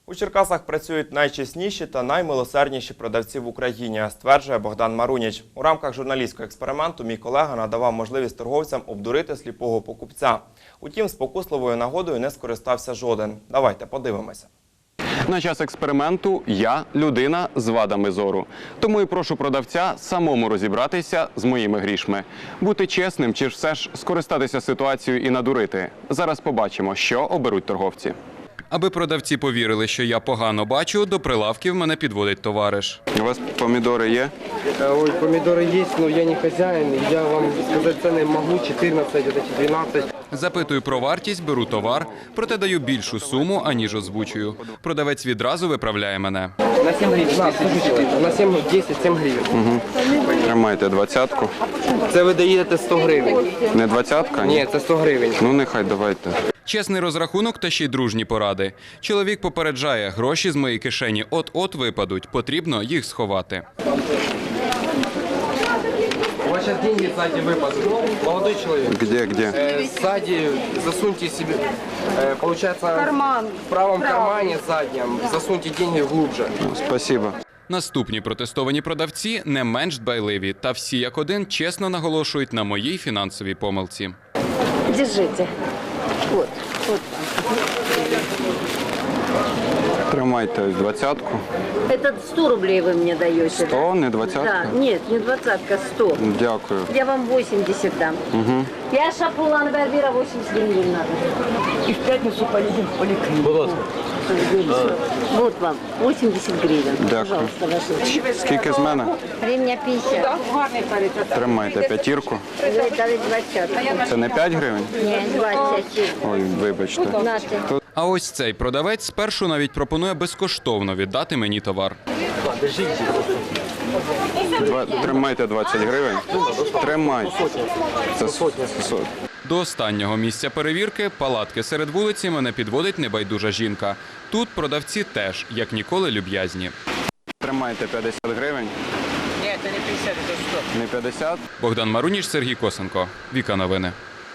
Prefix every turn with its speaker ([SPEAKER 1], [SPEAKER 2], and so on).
[SPEAKER 1] У Черкасах працюють найчесніші та наймилосердніші продавці в Україні, стверджує Богдан Маруніч. У рамках журналістського експерименту мій колега надавав можливість торговцям обдурити сліпого покупця. Утім, спокусливою нагодою не скористався жоден. Давайте подивимося.
[SPEAKER 2] На час експерименту я – людина з вадами зору. Тому і прошу продавця самому розібратися з моїми грішми. Бути чесним чи ж все ж скористатися ситуацією і надурити. Зараз побачимо, що оберуть торговці. Аби продавці повірили, що я погано бачу, до прилавків мене підводить товариш. У вас помідори є?
[SPEAKER 3] Ой, помидоры есть, но я не хозяин. Я вам сказать цены могу, 14, вот эти 12.
[SPEAKER 2] Запитую про вартість, беру товар, проте даю більшу суму, аніж озвучую. Продавець відразу виправляє мене.
[SPEAKER 3] На 7 гривен. На 7, 10, 7 гривен.
[SPEAKER 2] Тримайте 20-ку.
[SPEAKER 3] Це ви даєте 100 гривень.
[SPEAKER 2] Не 20-ка?
[SPEAKER 3] Ні, це 100 гривень.
[SPEAKER 2] Ну, нехай, давайте. Чесний розрахунок та ще й дружні поради. Чоловік попереджає, гроші з моєї кишені от-от випадуть, потрібно їх сховати.
[SPEAKER 3] У вас сейчас деньги сзади выпадут. Молодой человек.
[SPEAKER 2] Где?
[SPEAKER 3] Сзади засуньте себе, получается, в правом кармане заднем, засуньте деньги глубже.
[SPEAKER 2] Спасибо. Наступні протестовані продавці не менш дбайливі, та всі як один чесно наголошують на моїй фінансовій помилці.
[SPEAKER 4] Держите. Вот.
[SPEAKER 2] Тримайте ось 20-ку.
[SPEAKER 4] Это 100 рублей вы мне даете.
[SPEAKER 2] 100, не 20-ка?
[SPEAKER 4] Да, нет, не 20-ка, 100.
[SPEAKER 2] Дякую.
[SPEAKER 4] Я вам 80 дам. Я шапулан Барбира 80 гривен надо.
[SPEAKER 5] И в пятницу поедем в поликлинику.
[SPEAKER 4] Вот вам 80 гривен.
[SPEAKER 2] Дякую.
[SPEAKER 4] Пожалуйста, ваши.
[SPEAKER 2] Скільки з мене?
[SPEAKER 4] Гривня 50.
[SPEAKER 2] Тримайте п'ятірку.
[SPEAKER 4] Вы дали 20.
[SPEAKER 2] Це не 5 гривень?
[SPEAKER 4] Нет, 20.
[SPEAKER 2] Ой, вибачте.
[SPEAKER 4] Нате.
[SPEAKER 2] А ось цей продавець спершу навіть пропонує безкоштовно віддати мені товар. Тримайте 20 гривень. Тримайте. Це сотня. До останнього місця перевірки, палатки серед вулиці, мене підводить небайдужа жінка. Тут продавці теж, як ніколи, люб'язні. Тримайте 50 гривень.
[SPEAKER 5] Нет, это не 50, это 100.
[SPEAKER 2] Не 50? Богдан Маруніч, Сергій Косенко. Віка Новини.